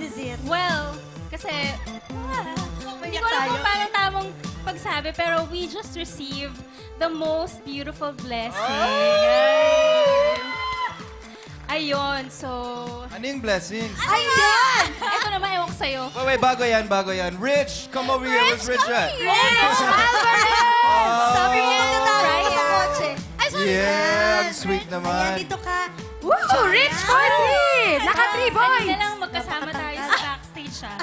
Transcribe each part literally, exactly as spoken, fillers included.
is it? Well, kasi, ah, hindi ko alam kung paano tamang pagsabi, pero we just received the most beautiful blessing. Ayun, so... Ano yung blessing? Ayun! Ito naman, ewan ko sa'yo. Wait, wait, bago yan, bago yan. Rich, come over here. Where's Rich at? Rich Alvarez! Sabi mo Yes! nagtatawag Right ka sa here. kotse. Ay, sorry. Yeah, ang sweet naman. Ayan, dito ka. Woo! Rich party! Naka-three boys! Kanina lang magkasama tayo sa backstage, ah.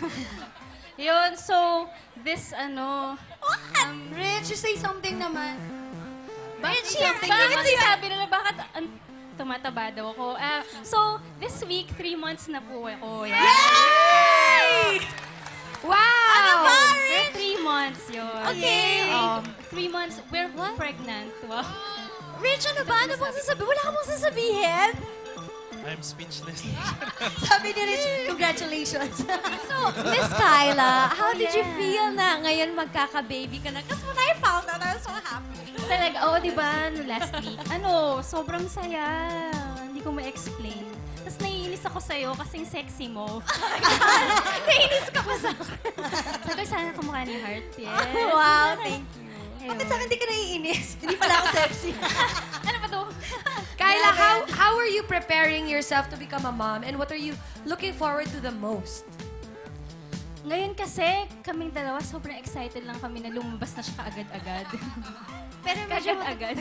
Yun, so, this, ano... Um, Rich, you say something naman. Bakit Rich, something bakit naman. sinabi nila, bakit an- tumataba daw ako? Ah, so, this week, three months na po ako. Yan. Yay! Wow! Ano ba, We're three months yun. Okay. Um, three months, we're pregnant. Wow. Rich, ano ba? Ano bang sasabihin? Wala ka bang sasabihin? I'm speechless. Sabi ni Rich, congratulations. So, Miss Kyla, how did you Yeah. feel na ngayon magkaka-baby ka na? Kasi when I found out, I was so happy. Talaga, oo, di ba, no, last week. Ano, sobrang saya. Hindi ko ma-explain. Tapos naiinis ako sa'yo kasing sexy mo. Naiinis ka pa sa akin. Sabi ko, sana kamukha ni Heart. Yes. Wow, thank you. Ayun. Bakit sa akin di ka naiinis? Hindi pala ako sexy. Ano ba to? Kyla, how how are you preparing yourself to become a mom? And what are you looking forward to the most? Ngayon kasi, kaming dalawa, sobrang excited lang kami na lumabas na siya kaagad-agad. Pero medyo Kaagad-agad.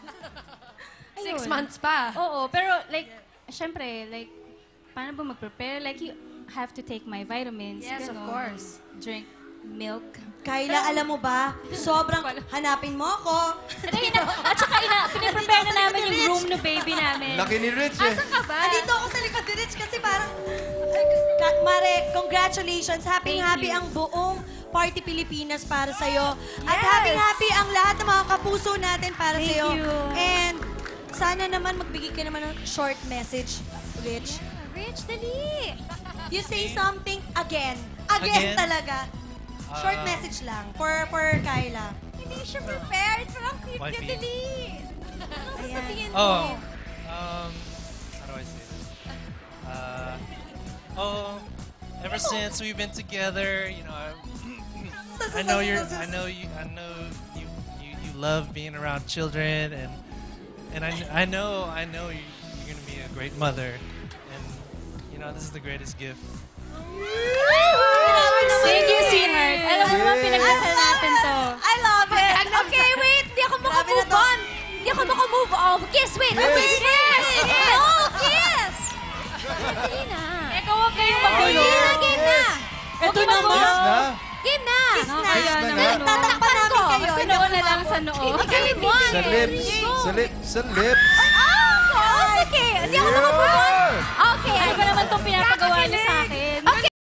six Ayun. months pa. Oo, pero like, syempre, like, paano ba mag-prepare? Like, you have to take my vitamins. Yes, of ganon. course. Drink milk. Kyla, alam mo ba, sobrang hanapin mo ako. At, ina, at saka, ina, piniprepare na namin yung room na baby namin. Laki ni Rich eh. Asan ka ba? Andito ako sa likod ni Rich kasi parang, Ay, Ka- Mare, congratulations. Happy Thank happy you. ang buong Party Pilipinas para sa'yo. At happy happy ang lahat ng mga kapuso natin para Thank sa'yo. you. And sana naman magbigay ka naman ng short message, Rich. Rich, dali! You say something again. Again, Again? talaga. Short Um, message lang for for Kyla. Hindi siya prepared. Parang cute Wifey. ka, dali! Ano sasabihin mo? Oh, um, how do I say this? Uh, oh, ever since we've been together, you know, I, I know you're, I know you, I know you, you, you love being around children, and and I, I know, I know you, you're gonna be a great mother, and you know, this is the greatest gift. Thank you, sweetheart. Alam mo naman, Yes. pinagdasal natin to. I love it. Okay, wait! Hindi ako Grabe na makamove to. on! Hindi ako makamove on! Kiss, wait! Yes. Wait, kiss! No, kiss! Dali na. Eka, huwag kayong magulo. Game na, game na! Ito Huwag naman. Kiss na? Game na! Kiss na. Kaya na naman, nga. no? Tatakpan namin kayo. Sa noo na lang, sa noo. Game one! Sa lips. Sa lips. Sa lips. Ay,